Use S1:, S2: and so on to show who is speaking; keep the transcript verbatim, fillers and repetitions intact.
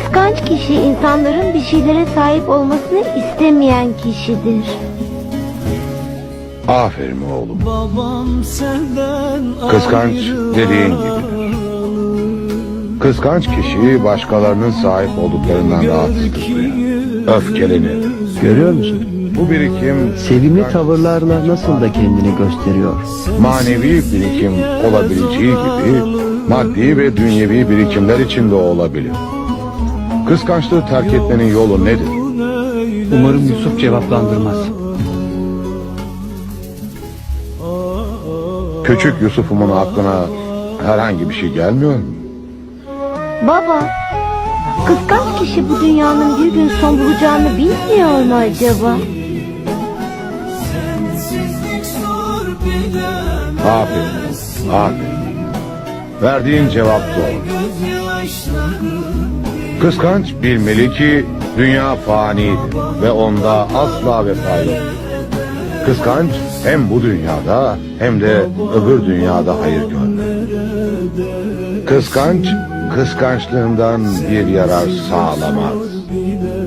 S1: Kıskanç kişi insanların bir şeylere sahip olmasını istemeyen kişidir.
S2: Aferin oğlum.
S3: Babam senden
S2: Kıskanç
S3: ayrı
S2: dediğin
S3: var.
S2: gibidir. Kıskanç kişi başkalarının sahip olduklarından rahatsızdır duyar. Öfkelenir.
S4: Görüyor musun?
S2: Bu birikim
S4: Sevimli tavırlarla nasıl da kendini gösteriyor.
S2: manevi birikim olabileceği gibi maddi ve dünyevi birikimler için de olabilir. Kıskançlığı terk etmenin yolu nedir?
S4: Umarım Yusuf cevaplandırmaz.
S2: Küçük Yusuf'umun aklına herhangi bir şey gelmiyor mu?
S1: Baba, kıskanç kişi bu dünyanın bir gün son bulacağını bilmiyor mu acaba?
S2: Aferin, aferin. Verdiğin cevap doğru. Kıskanç bilmeli ki dünya fanidir ve onda asla vefa yok. Kıskanç hem bu dünyada hem de öbür dünyada hayır görür. Kıskanç, kıskançlığından bir yarar sağlamaz.